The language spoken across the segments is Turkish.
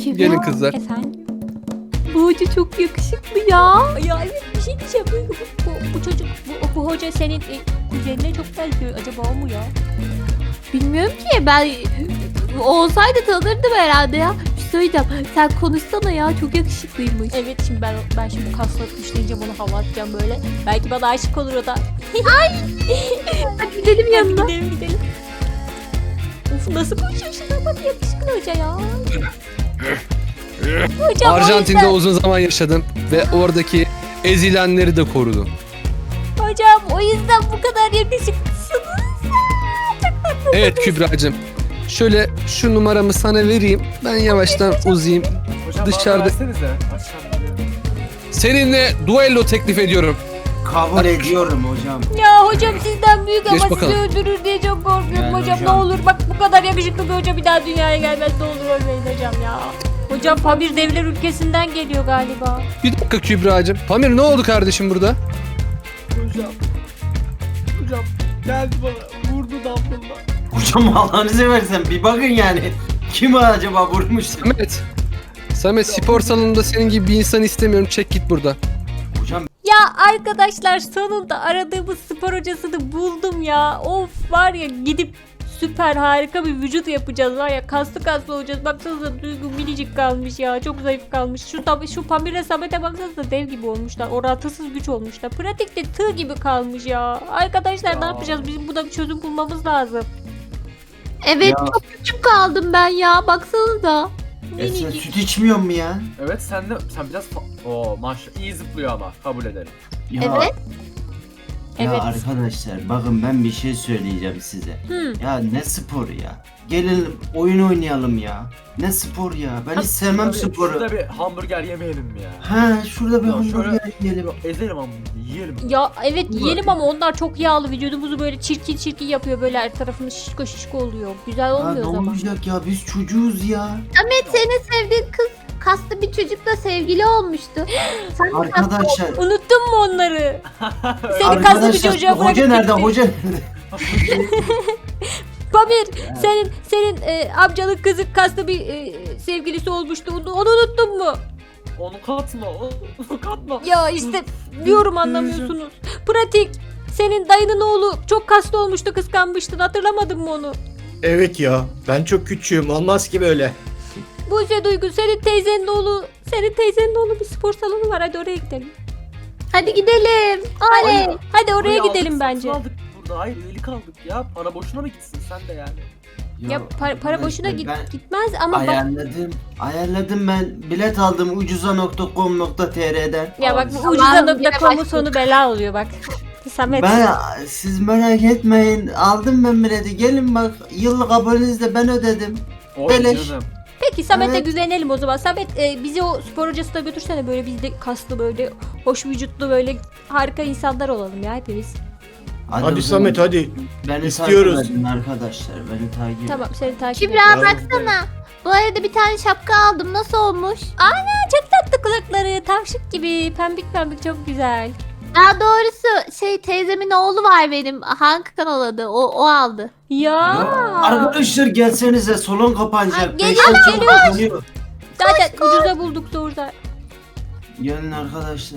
Kübra, Gelin kızlar. Efendim? Bu hoca çok yakışıklı ya. Ya evet bir şey diyeceğim. Bu çocuk, bu hoca senin kuzenine çok benziyor. Acaba o mu ya? Bilmiyorum ki, ben olsaydı tanırdım herhalde ya. Bir şey söyleyeceğim, sen konuşsana ya, çok yakışıklıymış. Evet şimdi ben şimdi kasla düşleyince bunu hava atacağım böyle. Belki bana aşık olur o da. Hadi gidelim Hadi yanına. gidelim. Of nasıl konuşuyor şuna bak yakışıklı hoca ya. Hocam Arjantin'de uzun zaman yaşadım ve oradaki ezilenleri de korudum. Hocam o yüzden bu kadar yakışıklısınız. Evet Kübra'cığım. Şöyle şu numaramı sana vereyim. Ben yavaştan uzayayım. Hocam Dışarıda- bana versenize. Başkan diyor. Seninle duello teklif ediyorum. Kabul ediyorum hocam. Ya hocam sizden büyük Geç ama bakalım. sizi öldürür diye çok korkuyorum Yani hocam. Ne hocam. olur bak bu kadar yakışıklı bir hoca bir daha dünyaya gelmez. Ne olur ölmeyin hocam ya. Hocam Pamir devler ülkesinden geliyor galiba. Bir dakika Kübra'cığım. Pamir ne oldu kardeşim burada? Hocam. Hocam geldi bana. Vurdu damlımla. Hocam Allah'ınızı seversen bir bakın yani. Kim acaba vurmuş? Samet. Samet spor salonunda senin gibi bir insan istemiyorum. Çek git buradan. Hocam Ya arkadaşlar sonunda aradığımız spor hocasını buldum ya. Of var ya gidip süper harika bir vücut yapacağız var ya kaslı olacağız. Baksanıza Duygu minicik kalmış ya çok zayıf kalmış. Şu Pamir'e Samet'e baksanıza dev gibi olmuşlar. Orantısız güç olmuşlar. Pratikte tığ gibi kalmış ya. Arkadaşlar ne Ya. yapacağız? Bizim buna bir çözüm bulmamız lazım. Evet, Ya. çok küçük kaldım ben ya, baksanıza. sen Minicik. süt içmiyor mu ya? Evet sen biraz Oo maşallah iyi zıplıyor ama kabul ederim. Ya, Evet. Ya Evet. arkadaşlar bakın ben bir şey söyleyeceğim size. Hı. Ya ne spor ya? Gelin oyun oynayalım ya. Ne spor ya? Ben hiç sevmem Tabii, sporu. Şurada bir hamburger yemeyelim mi ya? Ha şurada bir Ya şöyle- hamburger yiyelim. Ezelim ama yiyelim. Ya evet Ulan. yiyelim ama onlar çok yağlı vücudumuzu böyle çirkin yapıyor böyle her tarafımız şişko oluyor. Güzel Ha, olmuyor ne o zaman. olacak ya biz çocuğuz ya. Ahmet, senin sevdiğin kız kaslı bir çocukla sevgili olmuştu. Sen de Arkadaşlar. Unuttun mu onları? Seni kaslı bir Arkadaşlar çocuğa bırakıp hoca nerede? gitti. Hoca nerede? Pamir senin amcanın kızı kaslı bir sevgilisi olmuştu. Onu unuttun mu? Onu katma. Onu katma. Ya işte diyorum anlamıyorsunuz. Pratik. Senin dayının oğlu çok kaslı olmuştu kıskanmıştın. Hatırlamadın mı onu? Evet ya, ben çok küçüğüm, olmaz ki böyle. Buse Duygu senin teyzenin oğlu bir spor salonu var. Hadi oraya gidelim. Hadi gidelim. Oley. Hadi oraya Parayı gidelim aldık, bence. satın aldık burada. Hayır üyelik aldık ya. Para boşuna mı gitsin sen de yani? Ya para boşuna arkadaşlar, ben gitmez ama bak ayarladım ben. Bilet aldım ucuza.com.tr'den. ya bak Abi, bu tamam, yine ucuza.com'un başladık. sonu bela oluyor bak. Samet. Siz merak etmeyin. Aldım ben bileti. Gelin bak. Yıllık abonenizi ben ödedim. Oy Beleş. canım. Peki Samet'e Evet. güvenelim o zaman. Samet bizi o spor hocasına götürsene böyle biz de kaslı böyle hoş vücutlu böyle harika insanlar olalım ya hepimiz. Hadi, Hadi Samet hadi. Beni istiyoruz. takip edin arkadaşlar. Beni takip edin. Tamam seni takip Kübra ediyorum. baksana. Bu arada bir tane şapka aldım. Nasıl olmuş? Çok tatlı kulakları tavşık gibi pembik çok güzel. Daha doğrusu teyzemin oğlu var benim. Hakan adı. O aldı. Ya. Arkadaşlar gelsenize salon Ay, kapanacak. geliyoruz, Beş dakika geliyoruz. kapanıyor. Zaten ucuza bulduk doğrudan. Gelin arkadaşlar.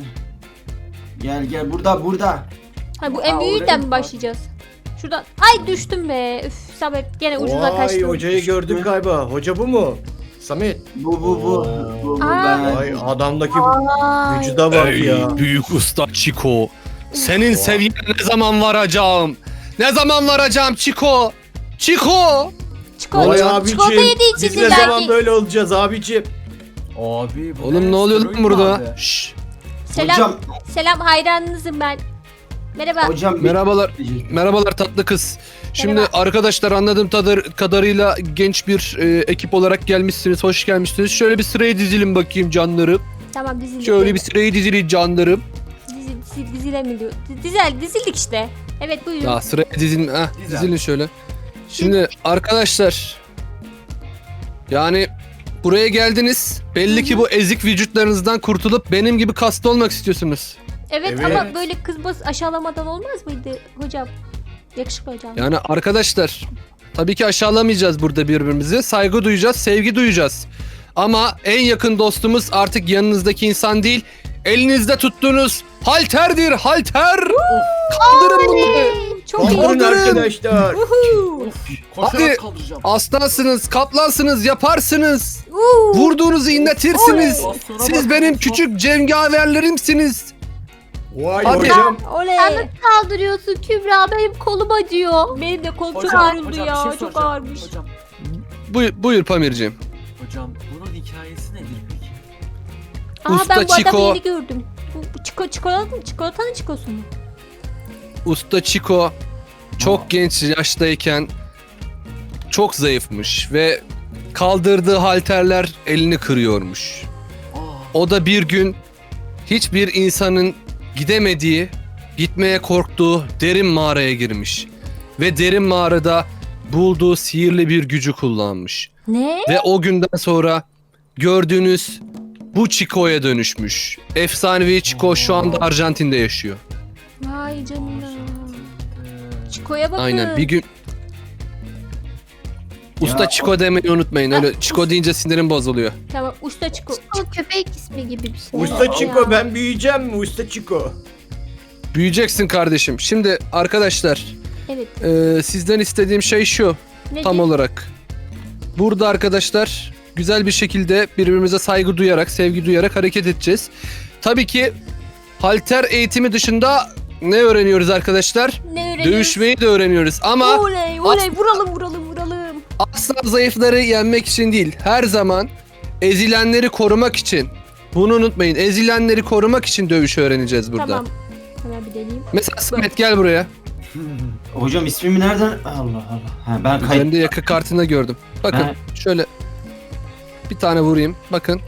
Gel burada. Ha bu en Aa, büyüğünden oraya mi mı? başlayacağız? Şuradan. Ay düştüm be. Üf Samet gene ucuza Vay, kaçtım. hocayı gördük galiba. Hoca bu mu? Samet. Bu Aa. ben. Vay, adamdaki Ay. vücuda bak ya. büyük usta Chico. Senin seviyene ne zaman varacağım? Ne zaman varacağım Chico? Chico! Vay Çikolata abicim. yediği için Biz ne zaman belki. böyle olacağız abicim? Abi bu Oğlum ne oluyor lan Steroid burada? abi. Şşş. Selam. Selam hayranınızım ben. Merhaba. Hocam Merhabalar. Merhabalar tatlı kız. Şimdi Merhaba. arkadaşlar anladığım kadarıyla genç bir ekip olarak gelmişsiniz. Hoş gelmişsiniz. Şöyle bir sıraya dizilin bakayım canlarım. Tamam dizildik. Şöyle bir sıraya dizilin canlarım. Dizile mi diyor? Dizildik işte. Evet buyurun. Ya sıraya dizilin. Dizel. Dizilin şöyle. Şimdi arkadaşlar yani buraya geldiniz. Belli ki bu ezik vücutlarınızdan kurtulup benim gibi kaslı olmak istiyorsunuz. Evet, Evet. ama böyle kız bas aşağılamadan olmaz mıydı hocam? Yakışıklı hocam. Yani arkadaşlar tabii ki aşağılamayacağız burada birbirimizi. Saygı duyacağız, sevgi duyacağız. Ama en yakın dostumuz artık yanınızdaki insan değil, elinizde tuttuğunuz halterdir, halter. Kaldırın bunları. Çok iyi. Kaldırın Kaldırın. arkadaşlar. Uhu. Koşarak Hadi. kaldıracağım. Aslansınız, kaplansınız, yaparsınız. Uhu. Vurduğunuzu inletirsiniz. Bastora Siz bak, benim bastora. küçük cengaverlerimsiniz. Vay Hadi. hocam. Oley. Sen nasıl kaldırıyorsun Kübra? Benim kolum acıyor. Benim de kolum çok Hocam, ağrıldı hocam, ya. bir şey Çok soracağım. ağırmış. Hocam, Buyur, buyur hocam bunun hikayesi nedir peki? Usta Ben bu adamı Chico. yeni gördüm. Bu çikolatanın çikosu mu? Usta Chico çok genç yaştayken çok zayıfmış ve kaldırdığı halterler elini kırıyormuş. Aa, O da bir gün hiçbir insanın gidemediği, gitmeye korktuğu derin mağaraya girmiş. Ve derin mağarada bulduğu sihirli bir gücü kullanmış. Ne? Ve o günden sonra gördüğünüz bu Chico'ya dönüşmüş. Efsanevi Chico şu anda Arjantin'de yaşıyor. Vay canına. Arjantin. Çiko'ya bakın. Aynen bir gün... Usta Ya, Chico demeyi unutmayın. Öyle Chico deyince sinirim bozuluyor. Tamam usta Çiko. O köpek ismi gibi bir şey. Usta Ya. Chico ben büyüyeceğim mi Usta Chico? Büyüyeceksin kardeşim. Şimdi arkadaşlar Evet. sizden istediğim şey şu Ne tam olarak. Burada arkadaşlar güzel bir şekilde birbirimize saygı duyarak, sevgi duyarak hareket edeceğiz. Tabii ki halter eğitimi dışında ne öğreniyoruz arkadaşlar? Ne öğreniyoruz? Dövüşmeyi de öğreniyoruz ama Oley oley vuralım. asla zayıfları yenmek için değil. Her zaman ezilenleri korumak için. Bunu unutmayın. Ezilenleri korumak için dövüş öğreneceğiz burada. Tamam. Hemen bir deneyeyim. Mesela Samet gel buraya. Hocam ismimi nereden? Allah Allah. Ha, ben kayıp. Üzerinde yakı kartında gördüm. Bakın Ha. şöyle bir tane vurayım. Bakın.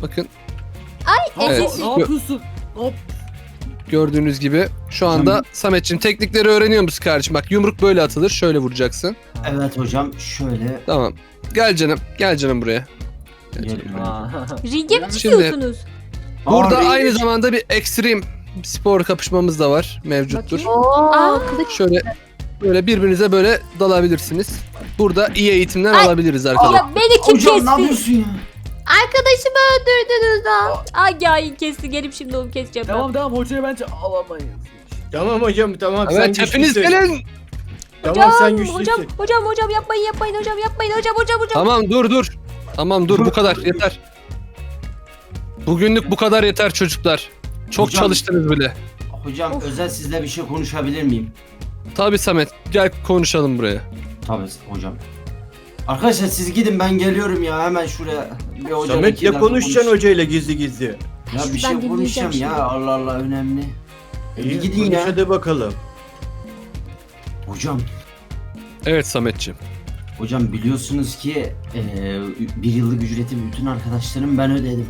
Evet. Ne yapıyorsun? Ne yap- Gördüğünüz gibi şu anda Sametçim teknikleri öğreniyor musun kardeşim? Bak yumruk böyle atılır. Şöyle vuracaksın. Evet hocam şöyle. Tamam. Gel canım. Gel canım buraya. Gel canım. Geliyorum. Aa. Ringe mi Şimdi- çıkıyorsunuz? Burada Aa, aynı zamanda bir ekstrem spor kapışmamız da var. Mevcuttur. Bakayım. Oo, Aa. kılıç. Şöyle böyle birbirinize böyle dalabilirsiniz. Burada iyi eğitimler Ay. alabiliriz arkadaşlar. Ya beni kim Hocam ne kesti? yapıyorsun ya? Arkadaşımı öldürdünüz ha. Ay ya kesti. Gelip şimdi onu keseceğim ben. Devam hocayı bence alamayız. Tamam hocam tamam sen Evet hepiniz güçlüsün. gelin. Tamam sen güçlüsün. Hocam yapmayın hocam. Tamam dur. Tamam dur bu kadar yeter. Bugünlük bu kadar yeter çocuklar. Çok Hocam- çalıştınız bile. Hocam Of. özel sizle bir şey konuşabilir miyim? Tabii Samet gel konuşalım buraya. Tabii hocam. Arkadaşlar siz gidin ben geliyorum ya hemen şuraya. Bir hocam Samet iki ya dakika konuşacaksın konuş- hocayla gizli gizli. Ya bir Ben şey dinleyeceğim konuşacağım şimdi. ya Allah Allah önemli. İyi Gidin konuş ya. hadi bakalım. Hocam. Evet Sametciğim. Hocam biliyorsunuz ki bir yıllık ücreti bütün arkadaşlarım ben ödedim.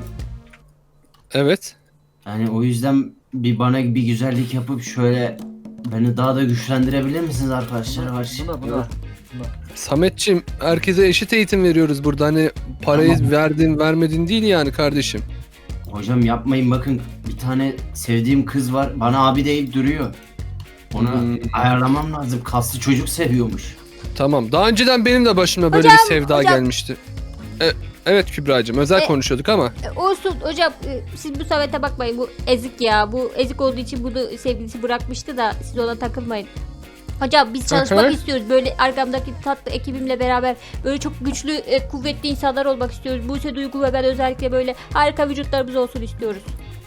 Evet. Yani o yüzden bana bir güzellik yapıp şöyle beni daha da güçlendirebilir misiniz arkadaşlar? Buna. Sametciğim herkese eşit eğitim veriyoruz burada. Hani parayı Tamam. verdin vermedin değil yani kardeşim. Hocam yapmayın bakın bir tane sevdiğim kız var bana abi deyip duruyor. Onu ayarlamam lazım. Kaslı çocuk seviyormuş. Tamam. Daha önceden benim de başıma böyle Hocam, bir sevda hocam. gelmişti. Evet Kübra'cığım özel konuşuyorduk ama. Olsun hocam siz bu Samet'e bakmayın bu ezik ya. Bu ezik olduğu için bunu sevgilisi bırakmıştı da siz ona takılmayın. Hocam biz çalışmak Hı hı. istiyoruz. Böyle arkamdaki tatlı ekibimle beraber böyle çok güçlü, kuvvetli insanlar olmak istiyoruz. Buse Duygu ve ben özellikle böyle harika vücutlarımız olsun istiyoruz.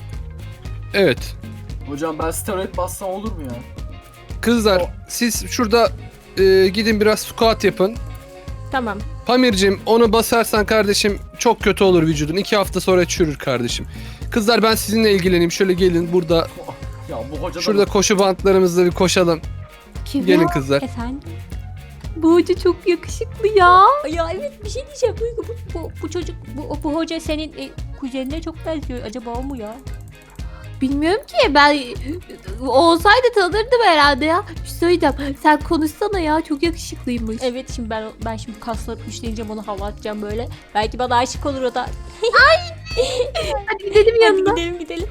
Evet. Hocam ben steroid bassam olur mu ya? Kızlar siz şurada gidin biraz squat yapın. Tamam. Pamir'cim onu basarsan kardeşim çok kötü olur vücudun. 2 hafta sonra çürür kardeşim. Kızlar ben sizinle ilgileneyim. Şöyle gelin burada Ya bu hoca da şurada koşu bantlarımızla bir koşalım. Kübra, Gelin kızlar. Efendim? bu hoca çok yakışıklı ya. Ya evet bir şey diyeceğim. Bu çocuk, bu hoca senin kuzenine çok benziyor. Acaba o mu ya? Bilmiyorum ki ben olsaydı tanırdım herhalde ya. Bir şey söyleyeceğim. Sen konuşsana ya çok yakışıklıymış. Evet şimdi ben şimdi kaslanıp güçleneceğim onu hava atacağım böyle. Belki bana aşık olur o da. Hadi gidelim yanına. Hadi gidelim.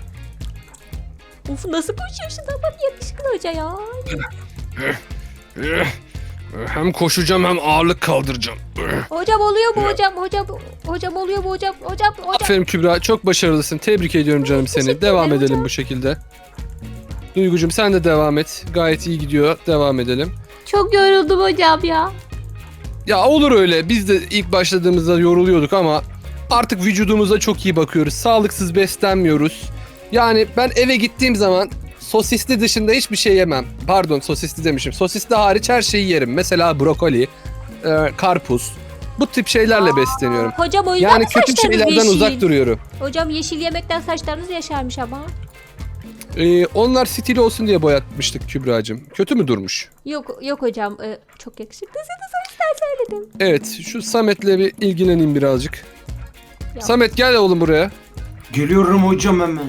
Of nasıl koşuyor şu zaman yakışıklı hoca ya. Hem koşacağım hem ağırlık kaldıracağım. Hocam oluyor mu hocam? Hocam oluyor mu hocam? Hocam. Aferin Kübra, çok başarılısın. Tebrik ediyorum canım seni. Teşekkür Devam ederim edelim hocam. bu şekilde. Duygucuğum sen de devam et. Gayet iyi gidiyor. Devam edelim. Çok yoruldum hocam ya. Ya olur öyle. Biz de ilk başladığımızda yoruluyorduk ama artık vücudumuza çok iyi bakıyoruz. Sağlıksız beslenmiyoruz. Yani ben eve gittiğim zaman sosisli dışında hiçbir şey yemem. Pardon, sosisli demişim. Sosisli hariç her şeyi yerim. Mesela brokoli, karpuz. Bu tip şeylerle besleniyorum. Hocam o yüzden Yani mi kötü saçlarınız şeylerden yeşil? uzak duruyorum. Hocam yeşil yemekten saçlarınız yaşarmış ama. Onlar stil olsun diye boyatmıştık Kübra'cığım. Kötü mü durmuş? Yok hocam. Çok yakışıklısınız o yüzden söyledim. Evet, şu Samet'le bir ilgileneyim birazcık. Ya. Samet gel oğlum buraya. Geliyorum hocam hemen.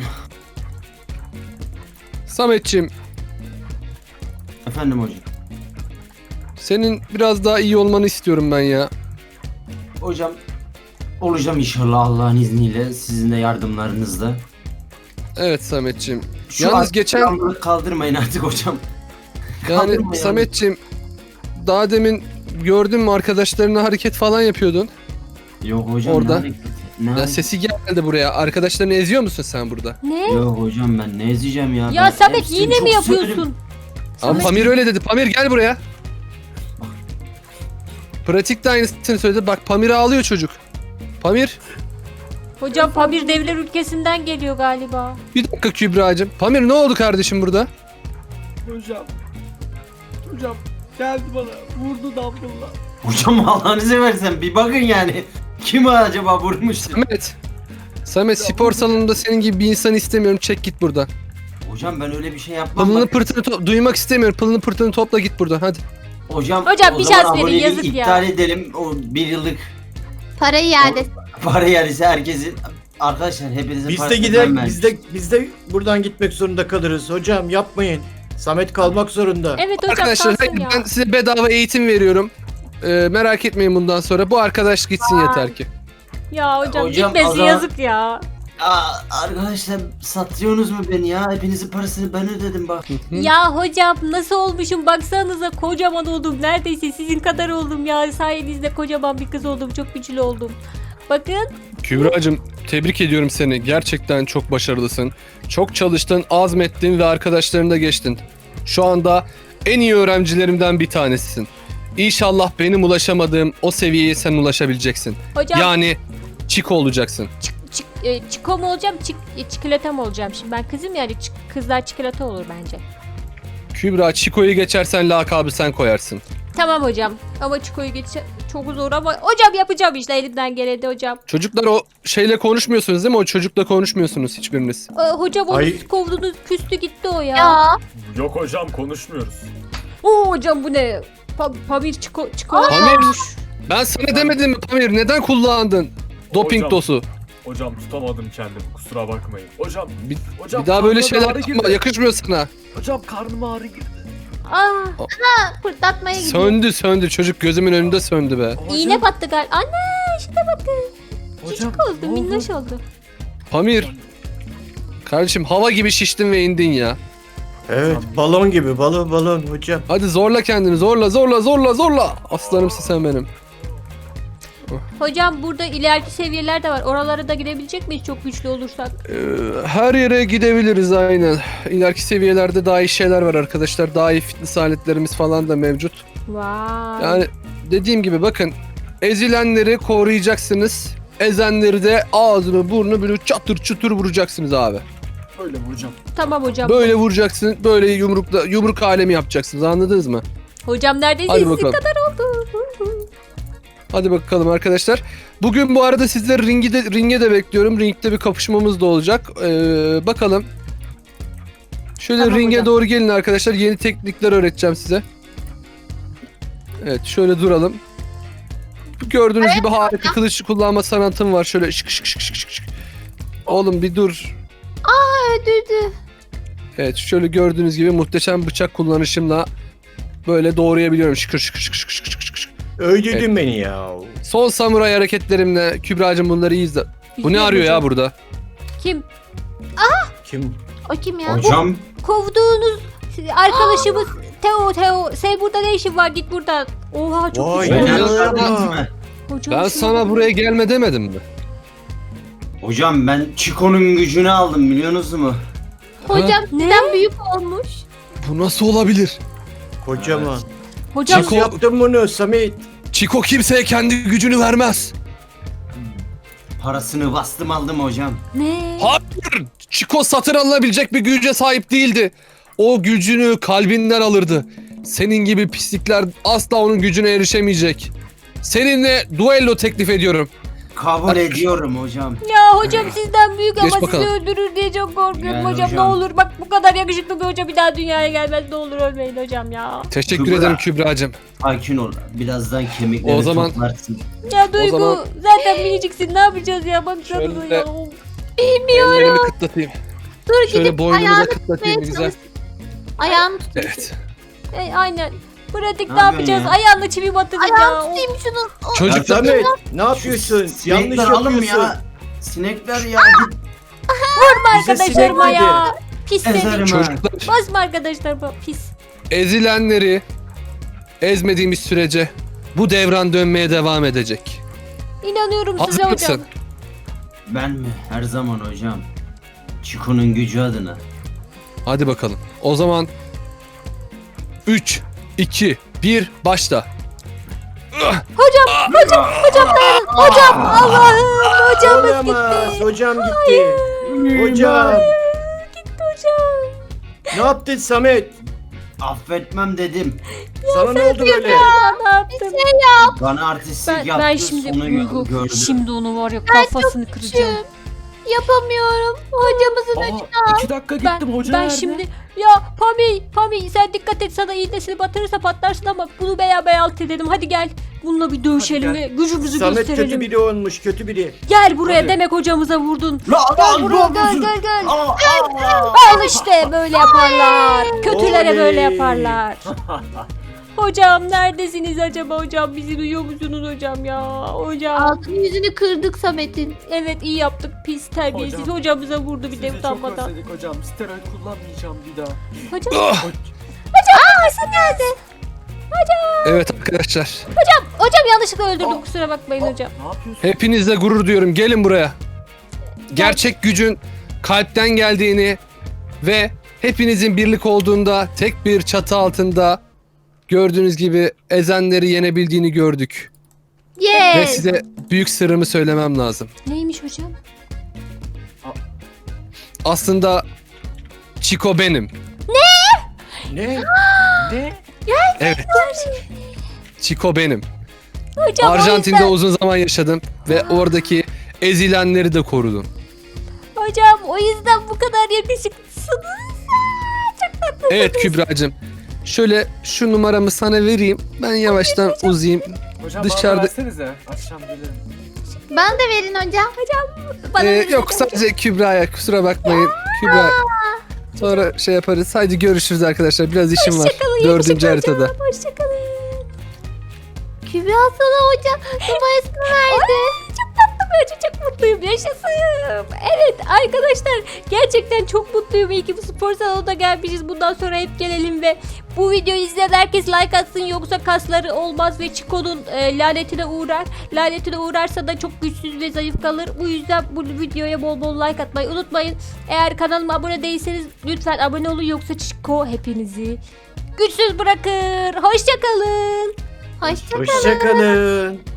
Samet'ciğim, Efendim hocam. senin biraz daha iyi olmanı istiyorum ben ya. Hocam olacağım inşallah Allah'ın izniyle. Sizin de yardımlarınızla. Evet Samet'ciğim. Şu Yalnız an- geçen yalnızlık kaldırmayın artık hocam. yani kaldırma Samet'ciğim daha demin gördün mü arkadaşlarına hareket falan yapıyordun. Yok hocam. Orada. ne hareketi? Ne Ya hareketi? sesi geldi buraya. Arkadaşlarını eziyor musun sen burada? Ne? Yok hocam ben ne ezeceğim ya. Ya Ben Samet hepsini yine çok mi severim. yapıyorsun? Ama Pamir öyle dedi. Pamir gel buraya. Pratik de aynısını söyledi. Bak Pamir ağlıyor çocuk. Pamir. Hocam Pamir devler ülkesinden geliyor galiba. Bir dakika Kübra'cığım. Pamir ne oldu kardeşim burada? Hocam geldi bana vurdu dambulla. Hocam Allah'ınızı seversen bir bakın yani. Kim acaba vurmuştu? Samet spor salonunda senin gibi bir insan istemiyorum. Çek git buradan. Hocam ben öyle bir şey yapmam. Pılını Bak- pırtını duymak istemiyorum. Pılını pırtını topla git buradan hadi. Hocam Hocam o bir zaman şans verin, aboneliği yazık ya. iptal edelim. O bir yıllık Parayı iade. para yerisi herkesin. Arkadaşlar hepinizin Biz de parasını gider, ben biz de buradan gitmek zorunda kalırız. Hocam yapmayın. Samet kalmak zorunda. Evet hocam Arkadaşlar kalsın hayır, ya. ben size bedava eğitim veriyorum. Merak etmeyin bundan sonra. Bu arkadaş gitsin yeter ki. Ya hocam, Hocam, gitmesi o zaman- yazık ya. Arkadaşlar satıyorsunuz mu beni ya? Hepinizin parasını ben ödedim bak. Ya hocam nasıl olmuşum baksanıza kocaman oldum. Neredeyse sizin kadar oldum ya. Sayenizde kocaman bir kız oldum. Çok güçlü oldum. Bakın. Kübra'cığım tebrik ediyorum seni. Gerçekten çok başarılısın. Çok çalıştın, azmettin ve arkadaşlarını da geçtin. Şu anda en iyi öğrencilerimden bir tanesisin. İnşallah benim ulaşamadığım o seviyeye sen ulaşabileceksin. Hocam Yani çiko olacaksın. çiko mu olacağım? Çikolata mı olacağım? Şimdi ben kızım yani kızlar çikolata olur bence. Kübra çikoyu geçersen lakabı sen koyarsın. Tamam hocam. Ama çikoyu çok zor ama hocam yapacağım işte elimden geleni hocam. Çocuklar o şeyle konuşmuyorsunuz değil mi? O çocukla konuşmuyorsunuz hiçbiriniz. Hocam onu Ay. siz kovdunuz küstü gitti o ya. Ya. Yok hocam konuşmuyoruz. Oo hocam bu ne? Pamir çiko Pamir. olmuş. Ben sana demedim mi Pamir? Neden kullandın? Doping Hocam. dosu. Hocam tutamadım kendimi kusura bakmayın. Hocam. Bir, Hocam bir daha böyle karnıma şeyler ağrı yapma. girdi. Yakışmıyor sana. Hocam karnıma ağrı girdi. Fırlatmaya gidiyor. Söndü. Çocuk gözümün önünde söndü be. Hocam, İğne battı galiba. Anne işte bakın. hocam, Küçük oldu ne oldu? minnoş oldu. Pamir. Kardeşim hava gibi şiştin ve indin ya. Evet balon gibi balon hocam. Hadi zorla kendini. Zorla. Aslanımsın sen benim. Hocam burada ileriki seviyeler de var. Oralara da gidebilecek miyiz çok güçlü olursak? Her yere gidebiliriz aynen. İleriki seviyelerde daha iyi şeyler var arkadaşlar. Daha iyi fitness aletlerimiz falan da mevcut. Vay. Yani dediğim gibi bakın. Ezilenleri koruyacaksınız. Ezenleri de ağzını burnunu böyle çatır çutur vuracaksınız abi. Öyle mi hocam? Tamam hocam. Böyle vuracaksın. Böyle yumruk alemi yapacaksınız. Anladınız mı? Hocam neredeyse Hadi sizin bakalım. kadar oldu. Hadi bakalım arkadaşlar. Bugün bu arada sizleri ringe de bekliyorum. Ringde bir kapışmamız da olacak. Bakalım. Şöyle Tamam ringe hocam. doğru gelin arkadaşlar. Yeni teknikler öğreteceğim size. Evet şöyle duralım. Gördüğünüz gibi harika kılıç kullanma sanatım var. Şöyle şık şık şık şık şık. Oğlum bir dur. Öldürdü. Evet şöyle gördüğünüz gibi muhteşem bıçak kullanışımla böyle doğrayabiliyorum. Şıkır şıkır şıkır şıkır şıkır şıkır şıkır. Öldürdün beni ya. Son samuray hareketlerimle Kübra'cığım bunları iyi izle. Bu ne İzliyorum arıyor ya hocam. burada? Kim? Kim? O kim ya? Hocam Kovduğunuz Arkadaşımız Teo. Sen burada ne işin var? Git buradan. Oha çok Vay güzel. be. Beğendiniz mi? Hocam, Ben şuna sana bak. buraya gelme demedim mi? Hocam ben Chico'nun gücünü aldım biliyorsunuz mu? Hocam Ne? sizden büyük olmuş. Bu nasıl olabilir? Kocaman. Hocam Nasıl yaptın bunu Samet? Chico kimseye kendi gücünü vermez. Parasını bastım aldım hocam. ne? Hayır. Chico satın alınabilecek bir güce sahip değildi. O gücünü kalbinden alırdı. Senin gibi pislikler asla onun gücüne erişemeyecek. Seninle duello teklif ediyorum. Kabul ediyorum hocam. Ya hocam sizden büyük Geç ama bakalım. sizi öldürür diye çok korkuyorum Gel hocam. Ne hocam. olur bak bu kadar yakışıklı bir hoca bir daha dünyaya gelmez. Ne olur ölmeyin hocam ya. Teşekkür Kübra. ederim Kübra'cığım. Sakin ol. Birazdan kemikleri O zaman- toplarsın. Ya Duygu zaman- zaten miniciksin ne yapacağız ya baksana Şöyle- ya. Ellerimi kıtlatayım. Dur Şöyle gidip boynumuza ayağını kıtlatayım tutmaya güzel. çalış. Ayağını tut. Evet. Aynen. Pratik Ne ne yapacağız? yapıyorsun ya? Ayağına çivi batırdık ya. Ayağını tutayım şunu. Ya Çocuklar Samet ne yapıyorsun? Yanlış Sinekler alın yapıyorsun. ya. Sinekler ya. Git Vurma Bize arkadaşlarıma sinek ya. Pis seni. ezerim ha. çocuklar Basma arkadaşlarıma pis. ezilenleri ezmediğimiz sürece bu devran dönmeye devam edecek. İnanıyorum Hazır size hocam. mısın? Ben mi? Her zaman hocam. Chico'nun gücü adına. Hadi bakalım. O zaman 3, 2, 1 başla. Hocam Allah'ım hocamız Olamaz. gitti. Hocam gitti. Hocam. Hocam. Ne yaptın Samet? Affetmem dedim. Sana ne oldu böyle? Ya ne yaptın? Bana artistlik Ben yaptı. şimdi Sonu Duygu, gördü. şimdi onu var ya kafasını kıracağım. Yapamıyorum. Hocamızın Aa, 2 dakika gittim hoca Ben nerede? şimdi ya Pami sen dikkat et sana iğnesini batırırsa patlarsın ama bunu bey alt edelim. Hadi gel. Bununla bir dövüşelim Hadi ve gücümüzü Samet gösterelim. kötü biri olmuş, kötü biri. Gel buraya Hadi. demek hocamıza vurdun. La Gel la buraya ne gel yapıyorsun? gel. Aa. Al işte böyle yaparlar. Kötülere Oley. böyle yaparlar. Hocam neredesiniz acaba hocam? Bizi duyuyor musunuz hocam ya? Hocam. altın yüzünü kırdık Samet'in. Evet iyi yaptık pis terbiyesiz. Hocam. Hocamıza vurdu bir de Sizi çok utanmadan. özledik hocam. Steroid kullanmayacağım bir daha. Hocam. Ah! Sen nerede? Evet arkadaşlar. Hocam yanlışlıkla öldürdüm kusura bakmayın hocam. Ne yapıyorsun? Hepinizle gurur duyuyorum. Gelin buraya. Gerçek gücün kalpten geldiğini ve hepinizin birlik olduğunda tek bir çatı altında gördüğünüz gibi ezenleri yenebildiğini gördük. Ve Yes. size büyük sırrımı söylemem lazım. Neymiş hocam? Aslında Chico benim. Ne? Ne? Evet. Chico benim. Hocam Arjantin'de uzun zaman yaşadım ve oradaki ezilenleri de korudum. Hocam o yüzden bu kadar yakışıklısınız. Evet Kübra'cığım. Şöyle şu numaramı sana vereyim. Ben yavaştan uzayayım. Hocam Dışarıda- bana versenize. Akşam gelirim. Bana da verin hocam. Bana verin Yok hocam. sadece Kübra'ya kusura bakmayın. Kübra sonra şey yaparız. Haydi görüşürüz arkadaşlar. Biraz işim var. Hoşçakalın, 4. yakışıklı haritada. hocam. Hoşçakalın. Kübra sana hoca numarasını verdi. Çok tatlı bir hoca, çok mutluyum. Yaşasın. Evet arkadaşlar gerçekten çok mutluyum. İyi ki bu spor salonuna gelmişiz. Bundan sonra hep gelelim ve bu videoyu izleyen herkes like atsın yoksa kasları olmaz ve Chico'nun lanetine uğrar. Lanetine uğrarsa da çok güçsüz ve zayıf kalır. Bu yüzden bu videoya bol bol like atmayı unutmayın. Eğer kanalıma abone değilseniz lütfen abone olun yoksa Chico hepinizi güçsüz bırakır. Hoşçakalın. Hoşçakalın. Hoşçakalın.